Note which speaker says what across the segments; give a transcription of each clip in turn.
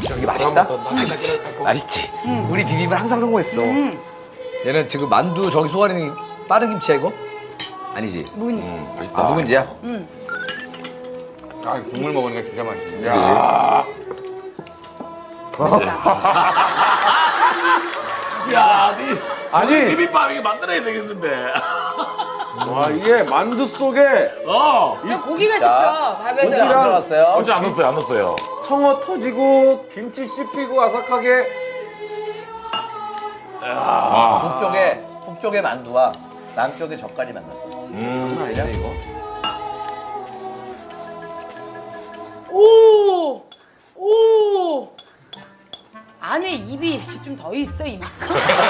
Speaker 1: 이게 맛있다?
Speaker 2: 맛있지?
Speaker 1: 맛있지? 우리 비빔은 항상 성공했어. 얘는 지금 만두 저기 소가리는 빠른 김치야 이거? 아니지?
Speaker 3: 묵은지.
Speaker 1: 아 묵은지야?
Speaker 2: 아, 국물 먹으니까 진짜 맛있네.
Speaker 4: 야,
Speaker 5: 아니.
Speaker 4: 비빔밥 이게 만들어야 되겠는데.
Speaker 5: 와 이게 만두 속에
Speaker 3: 고기가 씹혀. 밥에서.
Speaker 1: 고기랑 안 들어갔어요?
Speaker 4: 어제 안 넣었어요, 안 넣었어요.
Speaker 5: 청어 터지고 김치 씹히고 아삭하게.
Speaker 1: 북쪽의 만두와 남쪽의 젓갈이 만났어. 장난 아니야 이거?
Speaker 3: 오! 오! 안에 입이 이렇게 좀 더 있어, 이만큼.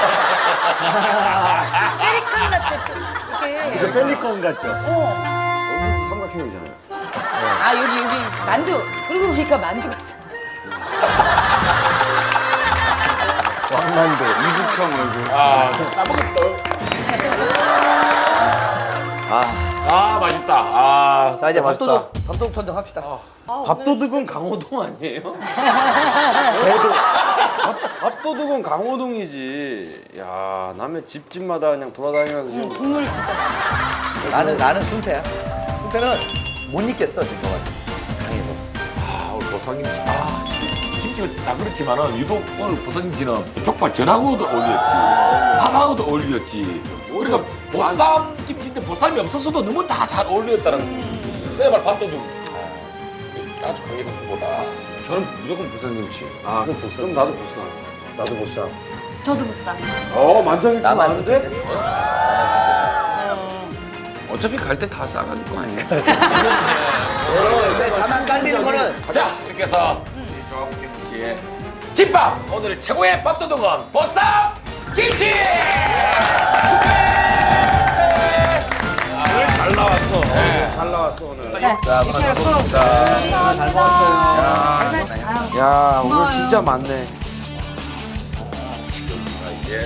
Speaker 3: 페리칸 같아, 이렇게.
Speaker 1: 펠리컨 같죠?
Speaker 5: 여기 삼각형이잖아요.
Speaker 3: 아, 여기, 만두. 그러고 보니까 만두 같아.
Speaker 1: 왕만두.
Speaker 5: 이북형 얼굴.
Speaker 4: 따먹었다. 아, 맛있다. 아,
Speaker 1: 자 이제
Speaker 5: 맛있다.
Speaker 1: 밥도둑 턴정 합시다.
Speaker 5: 밥도둑은 강호동 아니에요? 밥도둑은 강호동이지. 야 남의 집집마다 그냥 돌아다니면서 지금.
Speaker 3: 국물 진짜.
Speaker 1: 나는 순태야. 순태는 못 잊겠어 지금 강해서.
Speaker 4: 아, 오늘 보쌈김치. 아, 김치가 다 그렇지만은 유독 오늘 보쌈김치는 족발 전하고도 어울렸지. 밥하고도 어울렸지. 우리가 보쌈김치인데 보쌈이 없었어도 너무 다 잘 어울렸다는. 내가 말 밥도둑. 아주 강력한 것보다 저는 무조건 보쌈김치.
Speaker 5: 아 그럼 나도 보쌈.
Speaker 1: 나도 못 사.
Speaker 3: 저도 못 사.
Speaker 5: 만장일치
Speaker 1: 나만
Speaker 5: 많은데?
Speaker 2: 어차피 갈 때 다 싸가질 거 아니에요?
Speaker 1: 일단 자만 깔리는 거는
Speaker 4: 자, 이렇게 해서 우리 조합김치의 집밥! 오늘 최고의 밥도둑은 보쌈김치!
Speaker 5: 오늘 잘 나왔어. 잘 나왔어 오늘.
Speaker 1: 자 고맙습니다. 잘 먹었어요.
Speaker 5: 야 오늘 진짜 많네.
Speaker 4: 이게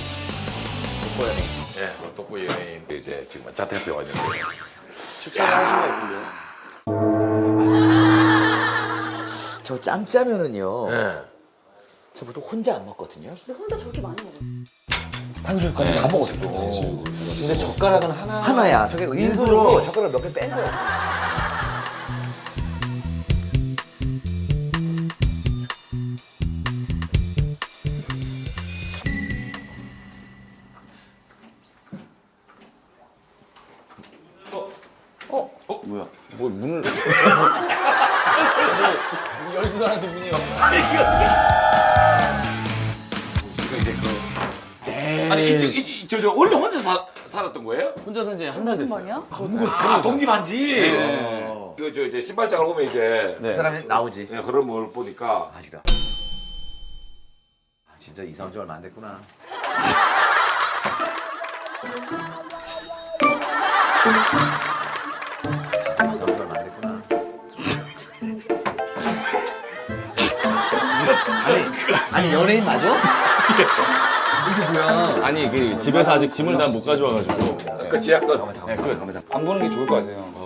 Speaker 4: 독보 연예인 이제 지금 자택 와 있는데
Speaker 5: 추천을 하신 것 같은데요.
Speaker 1: 저 짬짜면은요.
Speaker 4: 네.
Speaker 1: 저 보통 혼자 안 먹거든요.
Speaker 3: 근데 혼자 저렇게 많이 먹어.
Speaker 1: 탕수육까지 다 먹었어. 근데 젓가락은 하나야. 저게 일부러 젓가락 몇 개 뺀 거야. 지금.
Speaker 5: 뭐야? 뭐 문을?
Speaker 2: 열지도 않았던 분이요.
Speaker 4: 이제 아니 저 원래 혼자 살았던 거예요?
Speaker 2: 혼자서 이제 한 달 됐어요.
Speaker 3: 뭐냐?
Speaker 4: 아, 독립한지. 저 이제 신발장을 보면 이제
Speaker 1: 그 사람이 나오지.
Speaker 4: 흐름을 보니까
Speaker 1: 아시다. 진짜 이사한 지 얼마 안 됐구나. 진짜 이사한 지 얼마 안 됐구나. 아니 연예인 맞아? 이게 뭐야?
Speaker 2: 아니 그 집에서 아직 짐을 다 못 가져와가지고.
Speaker 4: 끝이야 끝.
Speaker 2: 네, 안 보는 게 좋을 것 같아요.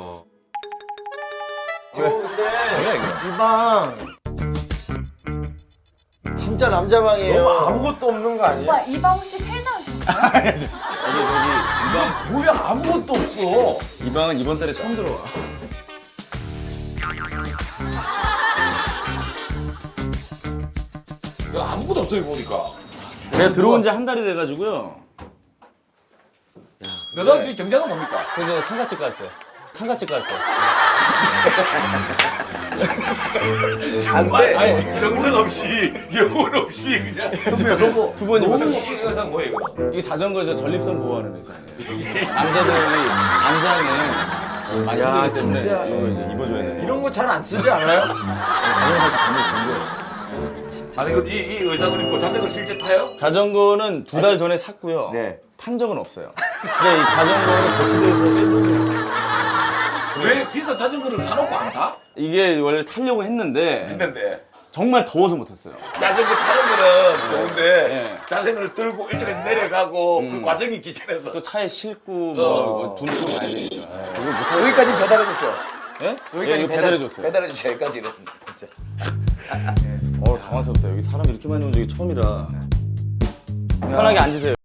Speaker 6: 이방 진짜 남자 방이에요.
Speaker 5: 아무것도 없는 거 아니에요?
Speaker 3: 오빠, 이방 혹시 퇴나 하셨어요?
Speaker 4: 뭐야 아무것도 없어.
Speaker 2: 이 방은 이번 달에 처음 들어와.
Speaker 4: 아무것도 없어요 보니까.
Speaker 2: 제가 들어온 지 한 달이 돼가지고요.
Speaker 4: 너다운 씨 정장은 뭡니까?
Speaker 2: 그래서 상가집 갈 때. 상가집 갈 때.
Speaker 4: 아니 정성 없이 영혼 없이 그냥.
Speaker 2: 두 번이
Speaker 4: 이
Speaker 2: 무슨
Speaker 4: 의상 뭐예요 이거?
Speaker 2: 이게 자전거에서 전립선 보호하는 의상이에요. 남자들이 안장에 많이 힘들기 때문에
Speaker 5: 진짜.
Speaker 2: 이거 이제 입어줘야 돼요.
Speaker 5: 이런 거 잘 안 쓰지 않아요?
Speaker 2: 자전거 감을 준 거예요.
Speaker 4: 아니 그럼 이 의상을 입고 자전거를 실제 타요?
Speaker 2: 자전거는 2달 전에 샀고요.
Speaker 6: 네.
Speaker 2: 탄 적은 없어요. 근데 이 자전거는 거치대에서 빼고
Speaker 4: 왜 비싼 자전거를 사놓고 안 타?
Speaker 2: 이게 원래 타려고 했는데
Speaker 4: 했는데
Speaker 2: 정말 더워서 못 탔어요.
Speaker 4: 자전거 타는 거는 좋은데
Speaker 2: 네.
Speaker 4: 자전거를 들고 일찍 내려가고 그 과정이 귀찮아서
Speaker 2: 또 차에 싣고 뭐 둔치고 가야 되니까. 그거 못 하고.
Speaker 1: 여기까지 배달해줬죠?
Speaker 2: 예?
Speaker 1: 여기까지
Speaker 2: 이거 배달해줬어요.
Speaker 1: 배달해줬죠 여기까지는. 진짜.
Speaker 2: 당황스럽다. 여기 사람 이렇게 많이 온 적이 처음이라. 편하게 앉으세요.